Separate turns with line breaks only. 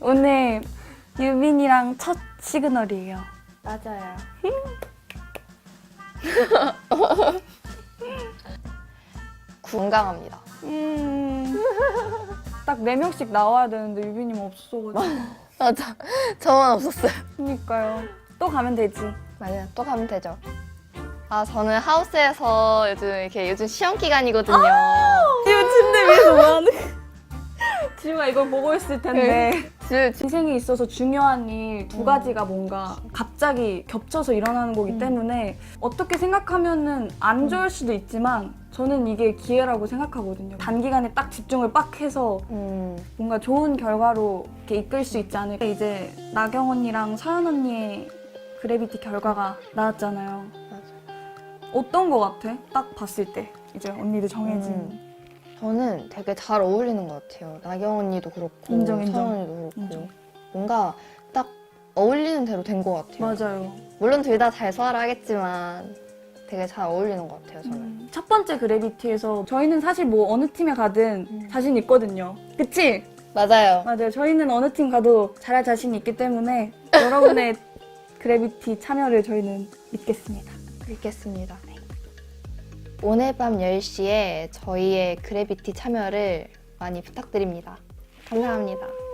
오늘 유빈이랑 첫 시그널이에요.
맞아요. 건강합니다.
딱 4명씩 나와야 되는데 유빈이만 없어가지고.
맞아. 저만 없었어요.
그니까요. 또 가면 되지.
맞아요. 또 가면 되죠. 아, 저는 하우스에서 요즘 시험 기간이거든요.
지금 침대 위에서 뭐하는 지우가 이걸 보고 있을 텐데 인생에 있어서 중요한 일 2가지가 뭔가 갑자기 겹쳐서 일어나는 거기 때문에 어떻게 생각하면은 안 좋을 수도 있지만 저는 이게 기회라고 생각하거든요. 단기간에 딱 집중을 빡 해서 뭔가 좋은 결과로 이렇게 이끌 수 있지 않을까. 이제 나경 언니랑 서연 언니의 그래비티 결과가 나왔잖아요. 어떤 거 같아? 딱 봤을 때 이제 언니들 정해진
저는 되게 잘 어울리는 것 같아요. 나경 언니도 그렇고
인정.
서연 언니도 그렇고
인정.
뭔가 딱 어울리는 대로 된 것 같아요.
맞아요.
물론 둘 다 잘 소화를 하겠지만 되게 잘 어울리는 것 같아요, 저는.
첫 번째 그래비티에서 저희는 사실 뭐 어느 팀에 가든 자신 있거든요. 그치?
맞아요.
맞아요. 저희는 어느 팀 가도 잘할 자신이 있기 때문에 여러분의 그래비티 참여를 저희는 믿겠습니다.
읽겠습니다. 오늘 밤 10시에 저희의 그래비티 참여를 많이 부탁드립니다. 감사합니다.